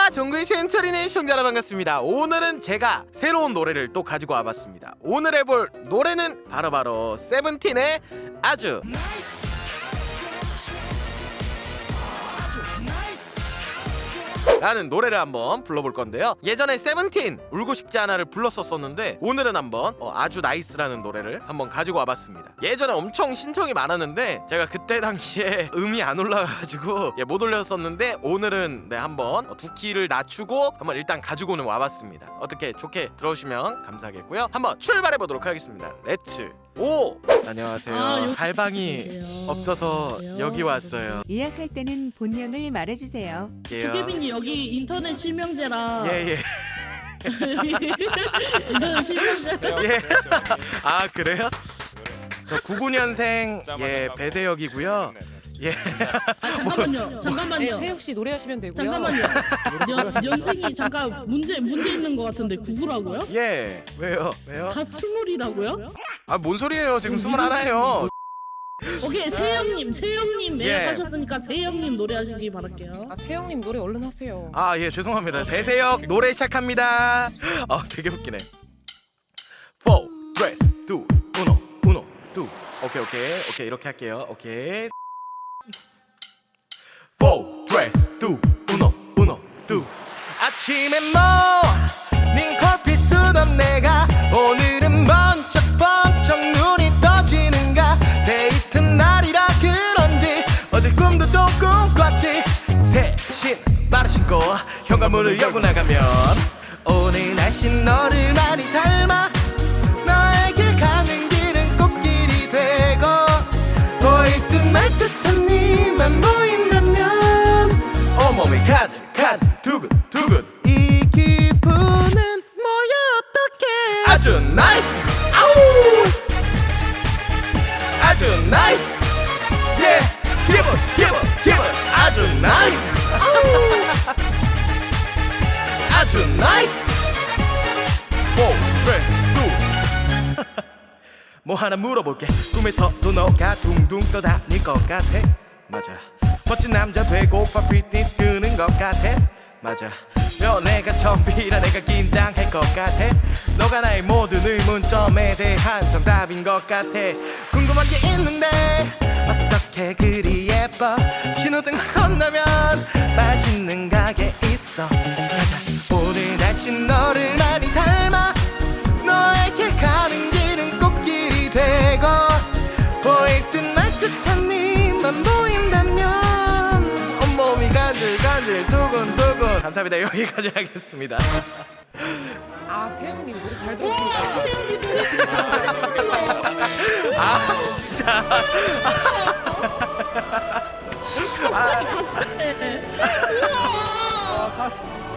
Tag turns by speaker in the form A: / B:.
A: 정글 신철이네 시청자 여러분 반갑습니다. 오늘은 제가 새로운 노래를 또 가지고 와봤습니다. 오늘 해볼 노래는 바로 세븐틴의 아주 라는 노래를 한번 불러볼 건데요. 예전에 세븐틴 울고 싶지 않아를 불렀었는데 오늘은 한번 아주 나이스라는 노래를 한번 가지고 와봤습니다. 예전에 엄청 신청이 많았는데 제가 그때 당시에 음이 안 올라가가지고 못 올렸었는데 오늘은 한번 두 키를 낮추고 한번 일단 가지고는 와봤습니다. 어떻게 좋게 들어오시면 감사하겠고요. 한번 출발해보도록 하겠습니다. 렛츠 오! 안녕하세요. 갈방이 없어서 여기 왔어요.
B: 예약할 때는 본명을 말해주세요.
C: 조개빈이 여기 인터넷 실명제라.
A: 예예.
C: 인터넷 실명제.
A: 예. 아 그래요? 저 99년생 예 배세혁이고요. 예.
C: 아 잠깐만요.
B: 네, 세혁 씨 노래하시면 되고요.
C: 잠깐만요. 연생이 잠깐 문제 있는 것 같은데 구구라고요?
A: 예. 왜요?
C: 다 스물이라고요?
A: 아 뭔 소리예요? 지금 21이에요.
C: 오케이 세영님
A: 예.
C: 예약하셨으니까 세영님 노래하시기 바랄게요.
B: 아, 세영님 노래 얼른 하세요.
A: 아 예 죄송합니다. 배세혁 노래 시작합니다. 되게 웃기네. 4, 3, 2, 1, 2. 오케이 이렇게 할게요. 오케이. 4, 3, 2, 1, 2. 아침에 모닝 커피 쓰던 내가 오늘은 번쩍번쩍 눈이 떠지는가. 데이트 날이라 그런지 어제 꿈도 조금 꿨지. 새신 바로 신고 현관문을 열고 나가면 오늘 날씬 너를 많이 닮아. 너에게 가는 길은 꽃길이 되고 보일 듯 말 듯한 네만 보인다면 온몸이 가득 두근두근. 이 기분은 뭐야 어떡해. 아주 나이스. 아우 아주 나이스. 예 기분 아주 나이스. 아우 아주 나이스. 4, 3, 2. 뭐 하나 물어볼게. 꿈에서도 너가 둥둥 떠다닐 것 같아. 맞아. 멋진 남자 되고파 피트니스 끄는 것 같아. 맞아. 연애가 처음이라 내가 긴장할 것 같아. 너가 나의 모든 의문점에 대한 정답인 것 같아. 궁금한 게 있는데 어떻게 그리 예뻐. 신호등 건너면 맛있는 가게 있어. 가자. 오늘 날씬 너를 많이 닮아. 너에게 가는 길은 꽃길이 되고 보일 듯 말 듯한 네만 보인다면 온몸이 간질간질 두근두근. 감사합니다. 여기까지 하겠습니다.
B: 아, 세영님 노래 잘 들었습니다.
A: 아 진짜.
C: 갔어.